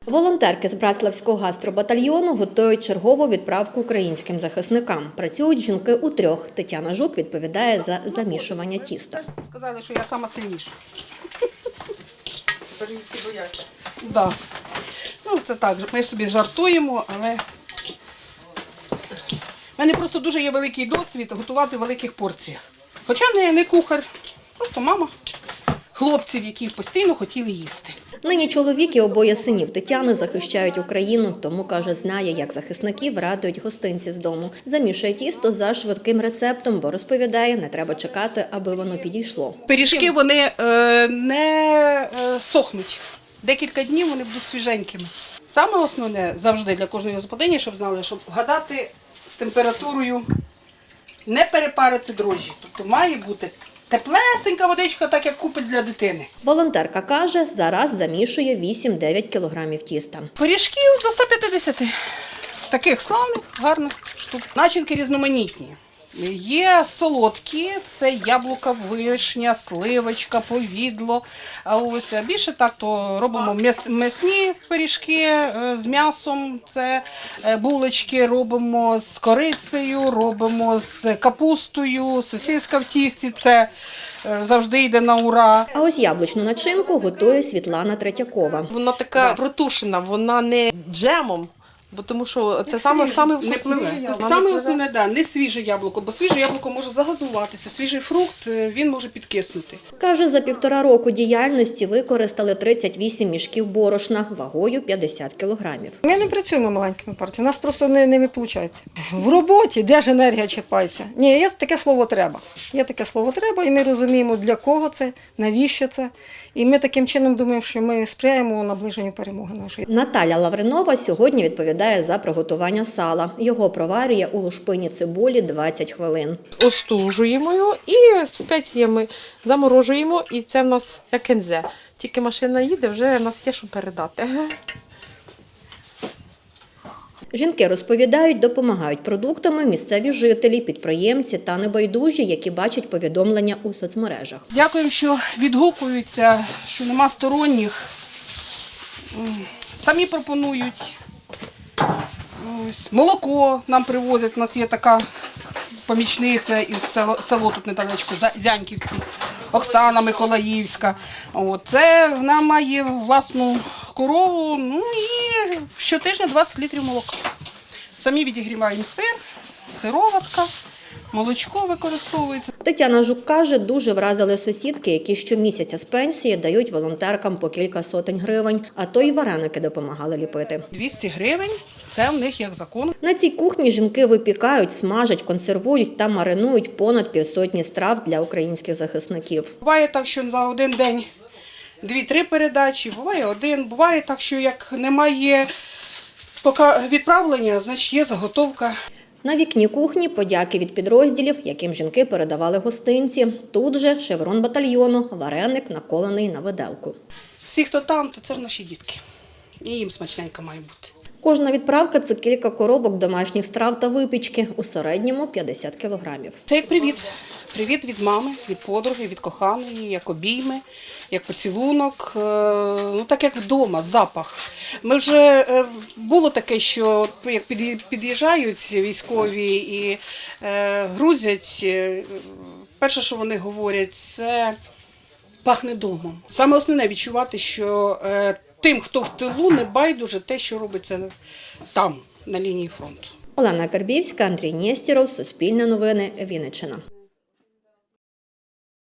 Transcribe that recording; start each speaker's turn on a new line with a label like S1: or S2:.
S1: Волонтерки з Братславського гастробатальйону готують чергову відправку українським захисникам. Працюють жінки у трьох. Тетяна Жук відповідає за замішування тіста.
S2: Сказали, що я сама сильніша.
S3: Тепер її всі бояться.
S2: Да. Ну, це так, ми собі жартуємо, але в мене просто дуже є великий досвід готувати в великих порціях. Хоча не кухар, просто мама хлопців, які постійно хотіли їсти.
S1: Нині чоловік і обоє синів Тетяни захищають Україну, тому, каже, знає, як захисників радують гостинці з дому. Замішує тісто за швидким рецептом, бо, розповідає, не треба чекати, аби воно підійшло.
S2: Пиріжки, вони не сохнуть. Декілька днів вони будуть свіженькими. Саме основне завжди для кожної господині, щоб знали, щоб вгадати з температурою, не перепарити дрожжі. Тобто має бути теплесенька водичка, так як купить для дитини.
S1: Волонтерка каже, зараз замішує 8-9 кілограмів тіста.
S2: Пиріжків до 150. Таких славних, гарних штук. Начинки різноманітні. Є солодкі, це яблука, вишня, сливочка, повідло. А більше так, то робимо м'ясні пиріжки з м'ясом, це булочки робимо з корицею, робимо з капустою, сосиска в тісті, це завжди йде на ура.
S1: А ось яблучну начинку готує Світлана Третьякова.
S3: Вона така протушена, вона не джемом, бо тому що це саме вкусне.
S2: Саме основне, да, не свіже яблуко, бо свіже яблуко може загазуватися, свіжий фрукт, він може підкиснути.
S1: Каже, за 1,5 року діяльності використали 38 мішків борошна вагою 50 кілограмів.
S4: Ми не працюємо маленькими партіями, у нас просто не виходить. В роботі, де ж енергія чіпається? Ні, є таке слово «треба». Є таке слово «треба», і ми розуміємо, для кого це, навіщо це. І ми таким чином думаємо, що ми сприяємо наближенню перемоги нашої.
S1: Наталя Лавринова сьогодні відповідає за приготування сала. Його проварює у лушпині цибулі 20 хвилин.
S3: Остужуємо його і спеціями заморожуємо, і це в нас як кензе. Тільки машина їде, вже в нас є що передати.
S1: Жінки розповідають, допомагають продуктами місцеві жителі, підприємці та небайдужі, які бачать повідомлення у соцмережах.
S2: Дякуємо, що відгукуються, що нема сторонніх. Самі пропонують. Ось, молоко нам привозять, у нас є така помічниця із село тут недалечко, Зяньківці, Оксана Миколаївська. Це вона має власну корову, ну і щотижня 20 літрів молока. Самі відігріваємо сир, сироватка, молочко використовується.
S1: Тетяна Жук каже, дуже вразили сусідки, які щомісяця з пенсії дають волонтеркам по кілька сотень гривень, а то й вареники допомагали ліпити.
S2: 200 гривень – це в них як закон.
S1: На цій кухні жінки випікають, смажать, консервують та маринують понад 500 страв для українських захисників.
S2: Буває так, що за один день 2-3 передачі, буває один. Буває так, що як немає поки відправлення, значить є заготовка.
S1: На вікні кухні подяки від підрозділів, яким жінки передавали гостинці. Тут же шеврон батальйону, вареник, наколений на виделку.
S2: Всі, хто там, то це ж наші дітки. І їм смачненько має бути.
S1: Кожна відправка – це кілька коробок домашніх страв та випічки, у середньому 50 кілограмів.
S2: Це як привіт. Привіт від мами, від подруги, від коханої, як обійми, як поцілунок, ну так як вдома, запах. Ми вже, було таке, що як під'їжджають військові і грузять, перше, що вони говорять, це пахне домом. Саме основне відчувати, що тим, хто в тилу, не байдуже те, що робиться там, на лінії фронту.
S1: Олена Карбівська, Андрій Нєстєров, Суспільне новини, Вінниччина.